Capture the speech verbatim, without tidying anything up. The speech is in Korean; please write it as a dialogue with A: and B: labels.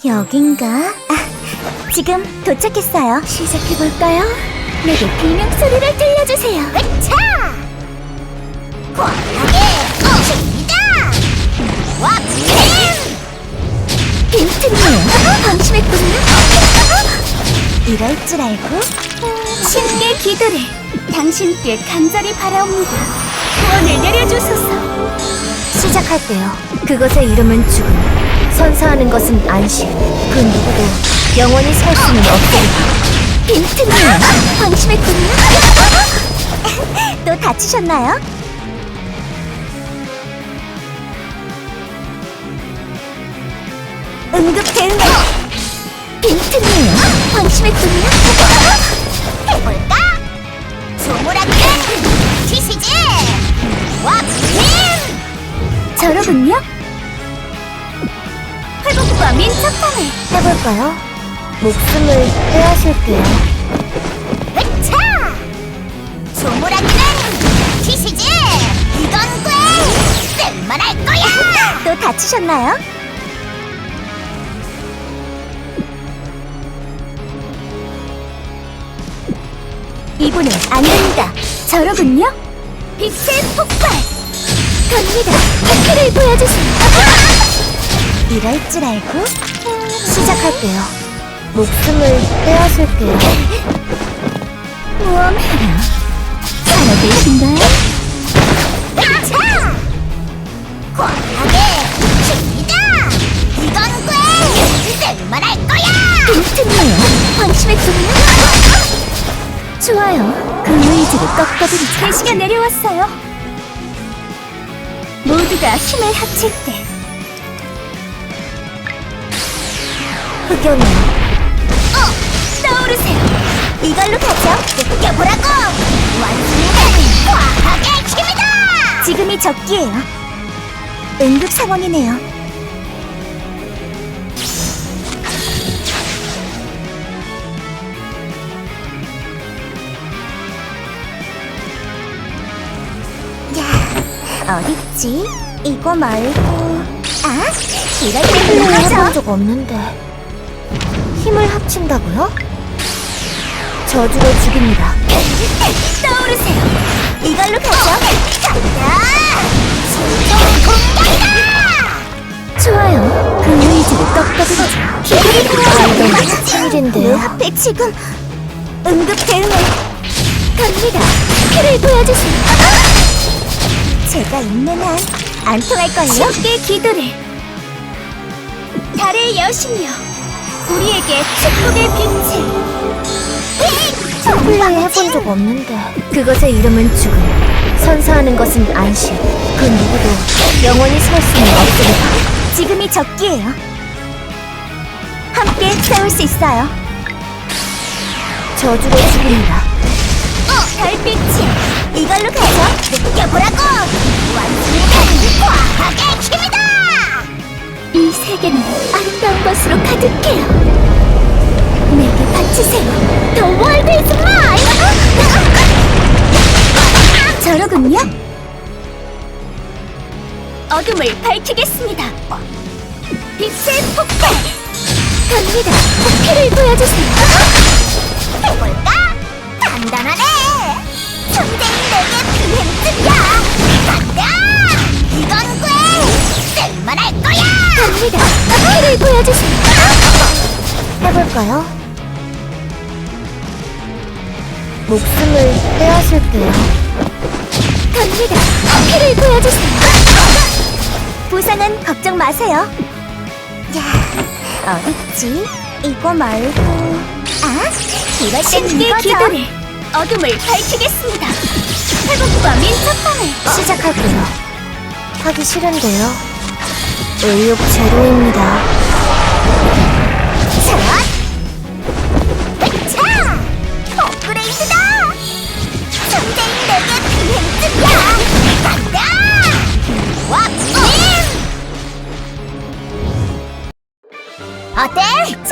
A: 여긴가? 아, 지금 도착했어요. 시작해볼까요? 내게 비명소리를 들려주세요. 으차! 과하게 오십니다! 왁힘! 빈틈이에요. 방심했군요. 이럴 줄 알고 신께 기도를 당신께 간절히 바라옵니다. 구원을 내려주소서. 시작할게요. 그것의 이름은 죽음. 선사하는 것은 안식. 그 누구도 영원히 살 수는 없습니다. 빈틈이에요. 방심했군요. 또 다치셨나요? 응급 대응. 빈틈이에요. 방심했군요. 해볼까? 조물하기는 지시지. 왁힘! 저러군요. 회복과 민첩함을 해볼까요? 목숨을 빼앗을게요. 으차! 조물하기는 지시지. 이건 꽤 쓸만할 거야. 또 다치셨나요? 이분은 안 됩니다. 저러군요. 빛의 폭발! 갑니다. 태클을 보여주세요. 이럴 줄 알고 시작할게요. 목숨을 빼앗을게요. 모험해라. 살아계신가요? 으차! 과하게 줍니다. 이건 꽤 쓸만할 거야. 빈틈이에요. 방심했군요. 좋아요. 그 의지를 꺾어드리죠. 대시가 내려왔어요. 모두가 힘을 합칠 때 흑연이 어! 떠오르세요. 이걸로 가죠. 느껴보라고. 완승은 과학의 힘이다. 지금이 적기예요. 응급 상황이네요. 야, 어딨지? 이거 말고 아? 이럴 때 불러줘. 해본 적 없는데 힘을 합친다고요? 저주로 죽입니다. 떠오르세요. 이걸로 가죠. 간다. 공격이다. 좋아요. 그 의지를 꺾어드리죠. 기술이 필요하죠. 생일인데요. 내 앞에 지금 응급 대응을 갑니다. 피를 보여주세요. 제가 있는 한 안 통할걸요? 쉽게 기도를. 달의 여신이여, 우리에게 축복의 빛을. 플레이 해본 적 없는데 그것의 이름은 죽음. 선사하는 것은 안식. 그 누구도 영원히 살 수는 없습니다. 지금이 적기예요. 함께 싸울 수 있어요. 저주로 죽입니다. 어, 달빛이 이걸로 가죠. 느껴보라고. 완승은 과학의 힘이다. 이 세계는 아름다운 것으로 가득해요. 내게 바치세요. The world is mine. 저러군요. 어둠을 밝히겠습니다. 빛의 폭발. 갑니다. 피를 보여주세요. 해볼까? 간단하네. 전쟁이 내게 비행증이야. 간다. 이건 꽤 쓸만할 거야. 갑니다. 피를 보여주세요. 해볼까요? 목숨을 빼앗을게요. 갑니다. 피를 보여주세요. 부상은 걱정 마세요. 야, 어딨지? 이거 말고 아? 이럴 땐 이거죠. 기도를. 어둠을 밝히겠습니다. 회복과 민첩함을 시작할게요. 하기 싫은데요. 의욕 제로입니다. 자, 으차! 업그레이드다! 전쟁이 내게 비행증이야! 간다! 왁힘! 어때?